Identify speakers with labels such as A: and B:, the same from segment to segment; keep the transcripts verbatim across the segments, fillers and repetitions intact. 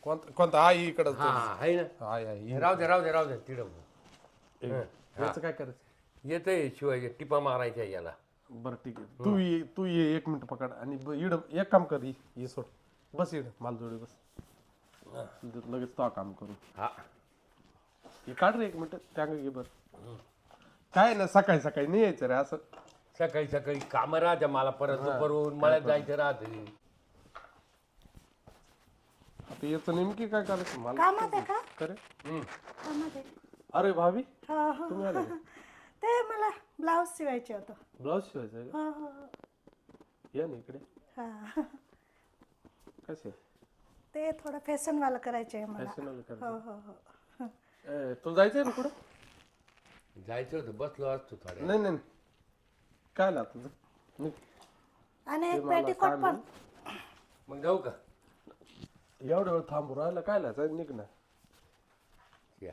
A: कोणता कोणता हा इकडं
B: हा आहे ना
A: हाय हाय
B: राहू दे राहू दे राहू दे तिकडं
A: याचं काय करायचं
B: येतंय शिवाय टिपा मारायच्या याला.
A: बरं ठीक आहे तू ये तू ये एक मिनिट पकड आणि ब- इड एक काम कर ये ये सोड बस इड मालजोडी बस लगेच तो काम करू
B: हा
A: हे काढ रे एक मिनिट त्या घे बरं काय ना सकाळी सकाळी नाही यायचं रे असं
B: सकाळी सकाळी कामं राहते मला परत दुपारून मळ्यात जायचं राहते.
A: आता याचं नेमकी काय करायचं मला
C: कामात आहे का
A: करे
C: कामात आहे
A: अरे भाभी
C: हो हो
A: तुम्ही आले का?
C: ते मला ब्लाऊज शिवायचे होतं
A: ब्लाऊज शिवायचं आहे
C: हो हो हो
A: का या ना इकडे
C: हा
A: कसे
C: ते थोडं फॅशनवालं करायचे आहे मला
A: फॅशनल कर
C: हो हो हो
A: तू जायचंय ना कुठं
B: जायचं होतं बसलो असतो थोड्या.
A: नाही नाही काय ना तुझं निघ.
C: आणि
A: ते
C: एक
A: मला
C: पेटीकोट
A: काम
C: पण
B: मग जाऊ का
A: एवढं वेळ थांबू राहिला काय लायचं निघ ना
B: या.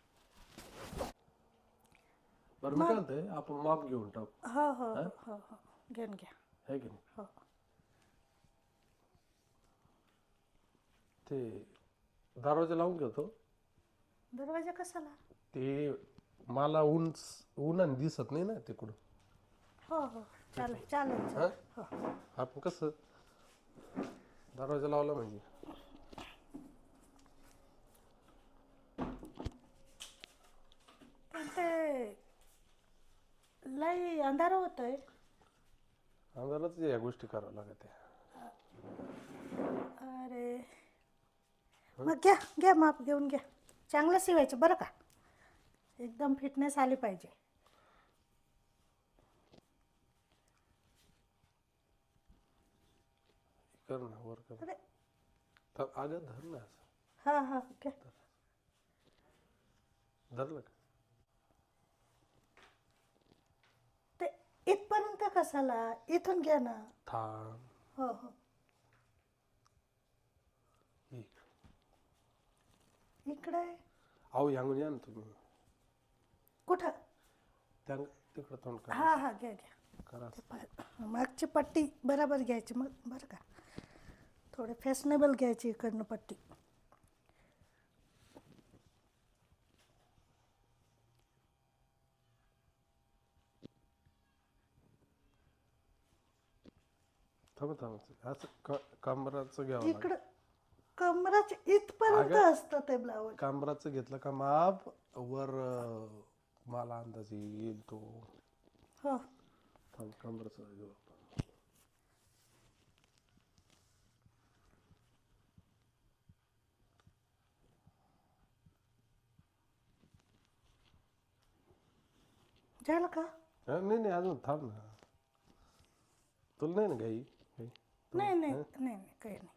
A: बरं मी काय म्हणतोय आपण माप घेऊन टाकू
C: हो हो हो हो घेऊन घ्या
A: है की नाही
C: हो
A: ते दरवाजा लावून घेतो
C: दरवाजा कशाला
A: ते मला ऊन उन्हाने दिसत नाही ना तिकडून
C: हो हो चालेल चालेल
A: हा
C: चालेल हो
A: आपण कसं दरवाजा लावला म्हणजे
C: पण ते लई अंधार होतोय
A: अंधारातच या गोष्टी कराव्या लागत
C: अरे मग घ्या घ्या माप घेऊन घ्या चांगलं शिवायचं बरं का एकदम फिटनेस आली पाहिजे
A: कर ना वर कर
C: अरे
A: तर अगं धर ना असं
C: हां हां घ्या
A: धरलं का
C: ते इथपर्यंत कशाला इथून घ्या ना
A: थांब
C: हो हो
A: ही.
C: इकडे
A: अहो यांगून या ना तुम्ही
C: कुठं
A: त्या तिकडं तोंड करा
C: हां हां घ्या घ्या
A: करा
C: ते प- मागची पट्टी बरोबर घ्यायची मग बरं का थोडे फॅशनेबल घ्यायची इकडनं पट्टी
A: थांब थांब असं क- कमराचं घ्यावं लागेल
C: इकडं कमराचे इथपर्यंत असतं ते ब्लाऊज
A: कमराचं घेतलं का माप वर अं, मला अंदाज येईल तो
C: हो
A: थांब कमराचं घेऊ आपण.
C: झालं का
A: हा, नाही नाही अजून थांब ना तुला नाही ना काही काही
C: नाही नाही नाही नाही काही नाही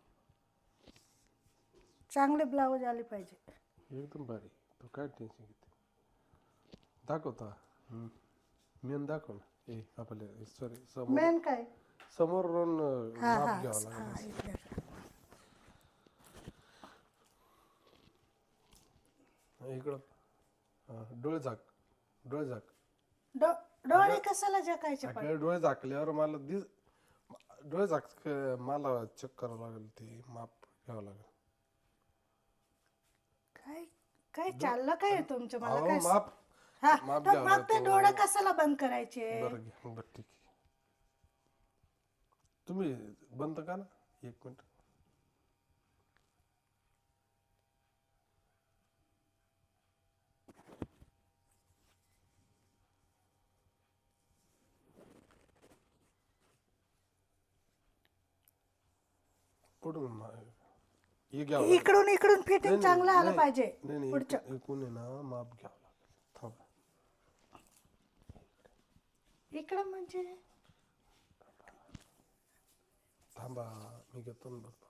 C: चांगले ब्लाऊज आले पाहिजे
A: एकदम भारी तू काय टेन्शन घेते दाखवता मेन दाखव ना ए आपल्या सॉरी समोर
C: मेन काय
A: समोरून अं,
C: हा
A: माप
C: हा
A: घ्यावं
C: हा
A: लागेल
C: इकडे.
A: इकडं हा, डोळे झाक डोळे झाक
C: डो डोळे कशाला झाकायचे पण
A: अगं, डोळे झाकल्यावर मला दिस डोळे झाक मला चेक करावं लागेल ते माप घ्यावं लागेल
C: काय काय चाललं काय तुमचं मला
A: अहो
C: काय
A: माप
C: हा
A: माप
C: तर
A: घ्यावं
C: मग ते डोळे कशाला बंद करायचे
A: बरं घ्या बरं ठीक आहे तुम्ही बंद का ना एक मिनिट कुठून मा- हे घ्यावं लागेल.
C: इकडून इकडून फिटिंग
A: नाही,
C: चांगलं आलं
A: नाही,
C: पाहिजे
A: नाही नाही
C: पुढचं
A: एकूण एकूण आहे ना माप घ्यावं लागेल थांबा
C: इकडं म्हणजे
A: थांबा मी घेतो ना बघतो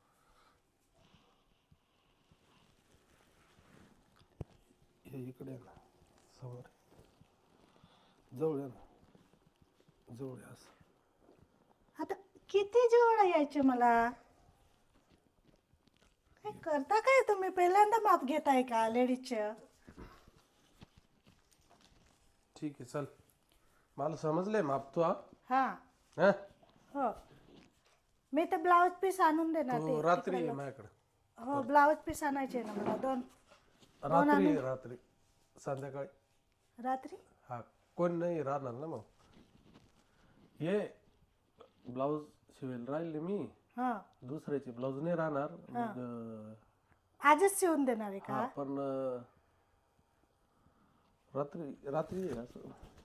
A: हे इकडे आहे ना समोर जवळ आहे ना जवळ आहे असं
C: आता किती जवळ यायचे मला काय करता काय तुम्ही पहिल्यांदा माप घेताय का लेडीजचं
A: ठीक आहे चल मला समजलंय माप तू हा
C: हा
A: हा?
C: हो मी तर ब्लाऊज पीस आणून देणार
A: तू
C: ते
A: रात्री
C: तिकडं
A: ये
C: लग-
A: माझ्याकडे
C: हो ब्लाऊज पीस आणायचे ना मला दोन
A: रात्री रात्री संध्याकाळी
C: रात्री
A: हा कोण नाही राहणार ना मग हे ब्लाऊज शिवेल राहिले मी
C: हा
A: दुसऱ्याचे ब्लाऊज नाही राहणार मग अं,
C: आजच शिवून देणार आहे
A: हा
C: का
A: पण अं, रात्री रात्री आहे असं